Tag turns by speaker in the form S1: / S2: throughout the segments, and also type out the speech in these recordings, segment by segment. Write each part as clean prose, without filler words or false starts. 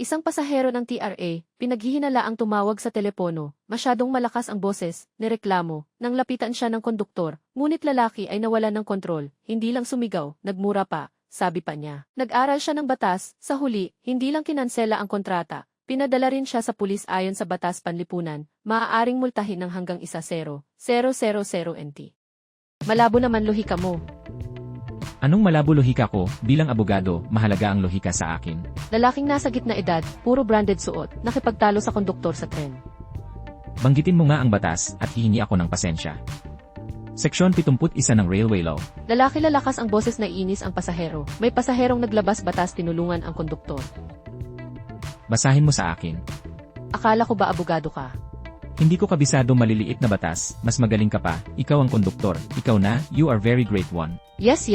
S1: Isang pasahero ng TRA, pinaghihinalaang tumawag sa telepono, masyadong malakas ang boses, nireklamo, nang lapitan siya ng konduktor, ngunit lalaki ay nawalan ng kontrol, hindi lang sumigaw, nagmura pa, sabi pa niya. Nag-aral siya ng batas, sa huli, hindi lang kinansela ang kontrata, pinadala rin siya sa pulis ayon sa batas panlipunan, maaaring multahin ng hanggang 1,000,000 NT. Malabo naman lohika mo.
S2: Anong malabo lohika ko, bilang abogado, mahalaga ang lohika sa akin.
S1: Lalaking nasa gitna edad, puro branded suot, nakipagtalo sa konduktor sa tren.
S2: Banggitin mo nga ang batas at hihingi ako ng pasensya. Seksyon 71 ng Railway Law.
S1: Lalaki lalakas ang boses na inis ang pasahero. May pasaherong naglabas batas tinulungan ang konduktor.
S2: Basahin mo sa akin.
S1: Akala ko ba abogado ka?
S2: Hindi ko kabisado maliliit na batas, mas magaling ka pa, ikaw ang konduktor, ikaw na, you are very great one.
S1: Yes.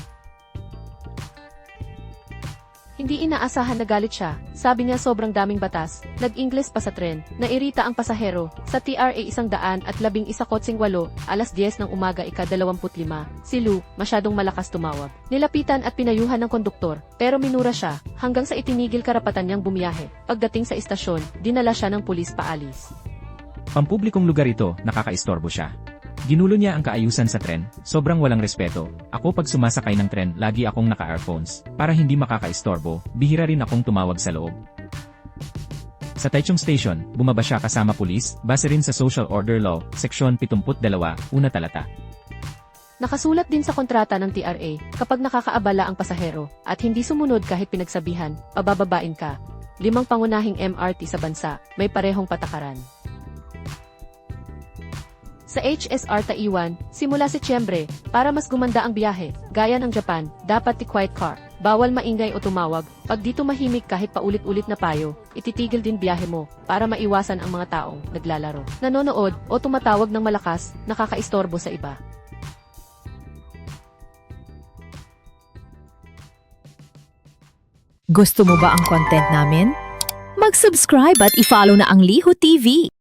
S1: Hindi inaasahan na galit siya, sabi niya sobrang daming batas, nag-Ingles pa sa tren, nairita ang pasahero, sa TRA 111-8, 10:10 ng umaga ika-25, si Lou, masyadong malakas tumawag. Nilapitan at pinayuhan ng konduktor, pero minura siya, hanggang sa itinigil karapatan niyang bumiyahe. Pagdating sa istasyon, dinala siya ng pulis paalis.
S2: Pampublikong lugar ito, nakakaistorbo siya. Ginulo niya ang kaayusan sa tren, sobrang walang respeto. Ako pag sumasakay ng tren, lagi akong naka-earphones, para hindi makakaistorbo, bihira rin akong tumawag sa loob. Sa Taichung Station, bumaba siya kasama pulis, base rin sa Social Order Law, Seksyon 72, una talata.
S1: Nakasulat din sa kontrata ng TRA, kapag nakakaabala ang pasahero, at hindi sumunod kahit pinagsabihan, pabababain ka. 5 pangunahing MRT sa bansa, may parehong patakaran. Sa HSR Taiwan, simula Setyembre, para mas gumanda ang biyahe, gaya ng Japan, dapat quiet car, bawal maingay o tumawag, pag di tumahimik kahit paulit-ulit na payo, ititigil din biyahe mo, para maiwasan ang mga taong naglalaro, nanonood, o tumatawag ng malakas, nakakaistorbo sa iba.
S3: Gusto mo ba ang content namin? Mag-subscribe at i-follow na ang Liho TV.